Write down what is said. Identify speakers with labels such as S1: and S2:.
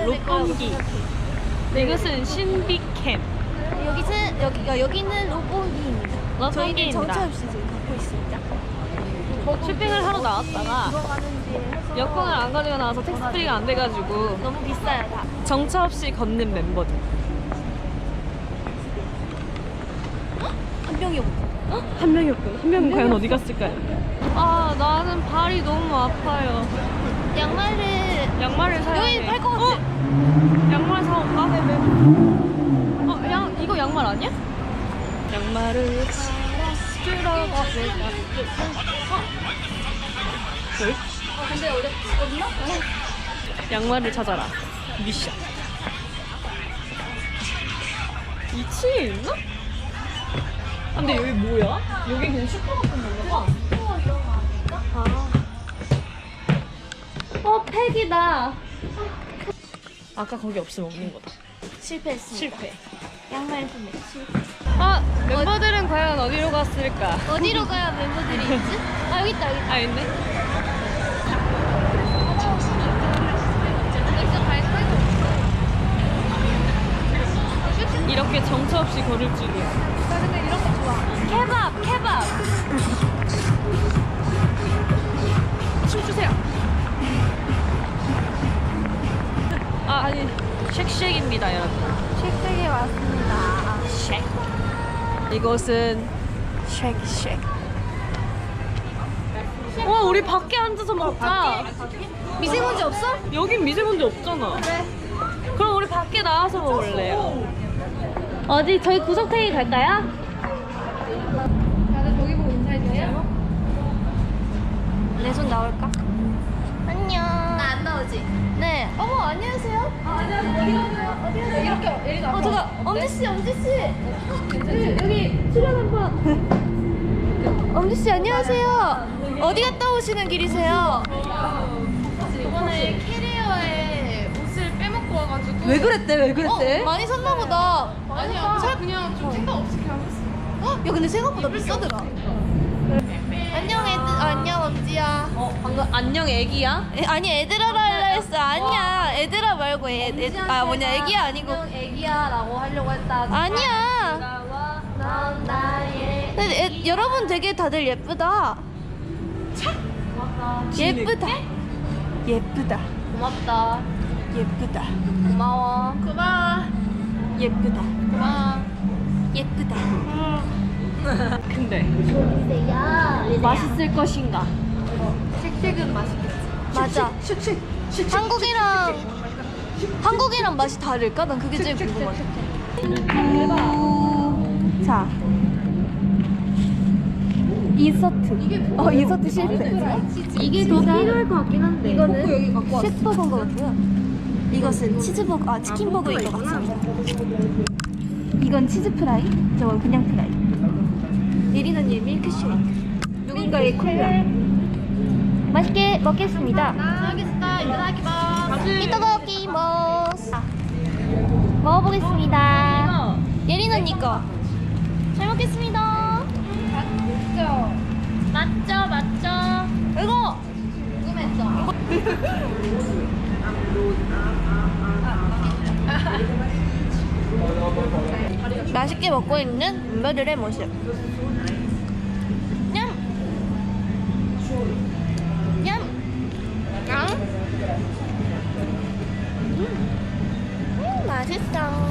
S1: 롯본기. 이것은 신비캠.
S2: 여기는 롯본기입니다. 저희는
S1: 롯본기입니다.
S2: 정차 없이 지금 갖고 있습니다.
S1: 쇼핑을 하러 나왔다가 여권을 안 가지고 나와서 택스프리가 안 돼가지고
S2: 너무 비싸요 다.
S1: 정차 없이 걷는 멤버들.
S2: 한 명이 없고.
S1: 한 명이 없고 한 명은 과연 어디 갔을까요? 아 나는 발이 너무 아파요. 양말을 사야 돼.
S2: 여기 팔 것 같아.
S1: 양말 사올까? 이거 양말 아니야? 양말을 사러 가볼까?
S2: 근데 없나?
S1: 양말을 찾아라. 미션. 2층에 있나? 근데 여기 뭐야? 여기 그냥 슈퍼 같은 건가 봐. 팩이다. 아까 거기 없으면 없는 거다.
S2: 실패했습니다.
S1: 실패.
S2: 양말 구매 실패.
S1: 멤버들은 과연 어디로 갔을까?
S2: 어디로 가야 멤버들이 있지? 아 여기 있다 여기 있다.
S1: 있네. 이렇게 정처 없이 걸을 줄이야.
S2: 나 근데 이런 거 좋아. 케밥.
S1: 춤추세요. 아니 쉑쉑입니다 여러분.
S2: 쉑쉑에 왔습니다.
S1: 쉑. 이곳은 쉑쉑. 와 우리 밖에 앉아서 먹자.
S2: 미세먼지 없어?
S1: 여긴 미세먼지 없잖아.
S2: 그래.
S1: 그럼 우리 밖에 나와서 먹을래요.
S2: 어디 저희 구석탱이 갈까요? 다들 저기 보고 인사해주세요. 내 손 나올까? 안녕. 나 안 나오지? 네. 어머 안녕하세요. 안녕하세요. 어디 가세요? 이렇게 여기가. 잠깐. 엄지 씨. 여기 출연 한번. 엄지 씨 안녕하세요. 어디 갔다 오시는 길이세요?
S3: 이번에 캐리어에 옷을 빼먹고 와가지고
S1: 왜 그랬대?
S2: 많이 샀나 보다.
S3: 아니야 그냥 좀 생각 없이 그냥 했어.
S2: 야 근데 생각보다 비싸더라. 안녕 안녕 엄지야.
S1: 방금 안녕 애기야?
S2: 아니 애들아라 하려 했어. 아니야 애들아 말고 애기야 아니고
S3: 애기야라고 하려고 했다.
S2: 아니야.
S3: 넌 나의
S2: 근데 여러분 되게 다들 예쁘다. 예쁘다.
S3: 고맙다.
S2: 예쁘다.
S3: 고마워.
S2: 예쁘다.
S3: 고마워.
S2: 예쁘다.
S1: 근데
S2: 보세요.
S1: 맛있을 것인가?
S3: 쉑쉑은 맛있겠지.
S2: 맞아. 한국이랑 맛이 다를까? 난 그게 제일 궁금하다. 자. 인서트. 인서트 실패.
S3: 이게 더 필요할 것 같긴 한데.
S2: 이거는 쉑버거인 것 같고요. 이것은 치즈버거, 치킨버거인 것 같습니다. 이건 치즈 프라이, 저건 그냥 프라이. 예린 언니의 밀크쉐이크. 누군가의 콜라. 맛있게 먹겠습니다.
S3: 알겠다.
S2: 이따가키모스. 먹어보겠습니다. 예린 언니 거. 잘 먹겠습니다.
S3: 맞죠.
S2: 이거.
S3: 궁금했어.
S2: 맛있게 먹고 있는 멤버들의 모습. 냠. 맛있어.